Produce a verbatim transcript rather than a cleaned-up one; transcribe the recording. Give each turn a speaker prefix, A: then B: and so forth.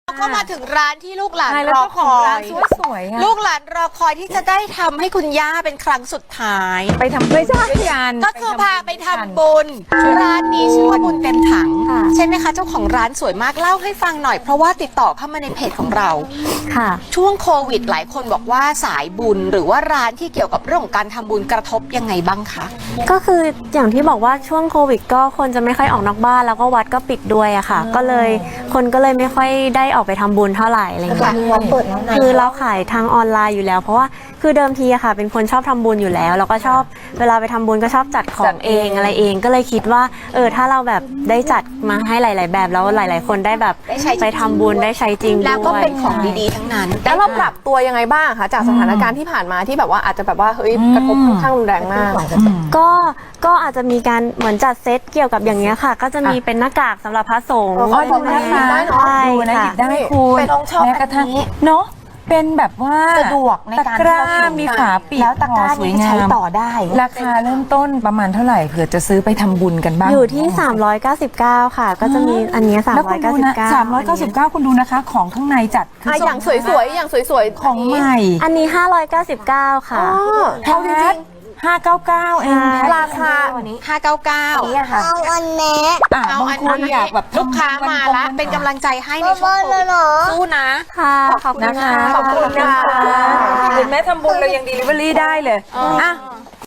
A: ก็มาถึงร้านที่ลูกหลานรอคอย
B: สวยๆ
A: ลูกหลานรอคอยที่จะได้ทำให้คุณย่าเป็นครั้งสุดท้าย
B: ไปทำด้วยกัน
A: ก็คือพาไปทำบุญร้านนี้ชื่อว่าบุญเต็มถังใช่ไหมคะเจ้าของร้านสวยมากเล่าให้ฟังหน่อยเพราะว่าติดต่อเข้ามาในเพจของเรา
C: ค่ะ
A: ช่วงโควิดหลายคนบอกว่าสายบุญหรือว่าร้านที่เกี่ยวกับเรื่องของการทำบุญกระทบยังไงบ้างคะ
C: ก็คืออย่างที่บอกว่าช่วงโควิดก็คนจะไม่ค่อยออกนอกบ้านแล้วก็วัดก็ปิดด้วยอะค่ะก็เลยคนก็เลยไม่ค่อยได้ออกไปทำบุญเท่าไหร่อะไรอย่างเงี้ยคือเราขายทางออนไลน์อยู่แล้วเพราะว่าคือเดิมทีอะค่ะเป็นคนชอบทำบุญอยู่แล้วแล้วก็ชอบเวลาไปทำบุญก็ชอบจัดของเองอะไรเองก็เลยคิดว่าเออถ้าเราแบบได้จัดมาให้หลาย ๆ แบบแล้วหลาย ๆ คนได้แบบไปทำบุญได้ใช้จริงด้วย
A: แล้วก็เป็นของดีๆทั้งนั้น
D: แล้วเราปรับตัวยังไงบ้างคะจากสถานการณ์ที่ผ่านมาที่แบบว่าอาจจะแบบว่าเฮ้ยกระทบค่อนข้างรุนแรงมาก
C: ก็ก็อาจจะมีการเหมือนจัดเซตเกี่ยวกับอย่างเงี้ยค่ะก็จะมีเป็นหน้ากากสำหรับพระสงฆ์
B: อ๋อดูนะคะ
C: ใช่
B: ดูนะหยิบได้คุณ
A: เป็นองชอบ
B: แม้กระทั่งเนาะเป็นแบบว่า
A: สะดวกในการ
B: ตะกร้ามีฝาปิด
A: แล้วตะกร้า
B: สวย
A: นี้
B: งา
A: ใช้
B: ม
A: ต่อได้
B: ราคาเริ่มต้นประมาณเท่าไหร่เผื่อจะซื้อไปทำบุญกันบ้าง
C: อยู่ที่สามร้อยเก้าสิบเก้าค่ะก็จะมีอันนี้สาม
B: แล้ว
C: ร้
B: คุ
C: อย
B: ณ
C: เก้า
B: ดู
C: สิบ
B: นะ
C: เก้า
B: สามร้อยเก้าสิบเก้าคุณดูนะคะของข้างในจัดคือ
D: อ่ะอย่างสวยๆอย่างสวยๆ
B: ของใหม่
C: อันนี้ห้าร้อยเก้าสิบเก้าค่ะ
B: แพทห้าเก้าเก้าเอง
D: ราคา
A: ห้าเก้าเก้า
C: เอาอันนี้
B: อ่ะ
A: เอา
B: บาง
A: อัน
B: คน
A: นี้
B: อยากแบบ
A: ลูกค้ามาละเป็นกำลังใจให้ในช่วงโควิดสู้นะ
C: ค่ะขอบคุณ
B: นะคะ
C: ค่ะ
B: ขอบคุณนะคะเห็นไหมทำบุญเรายัง delivery ได้เลยอ่ะ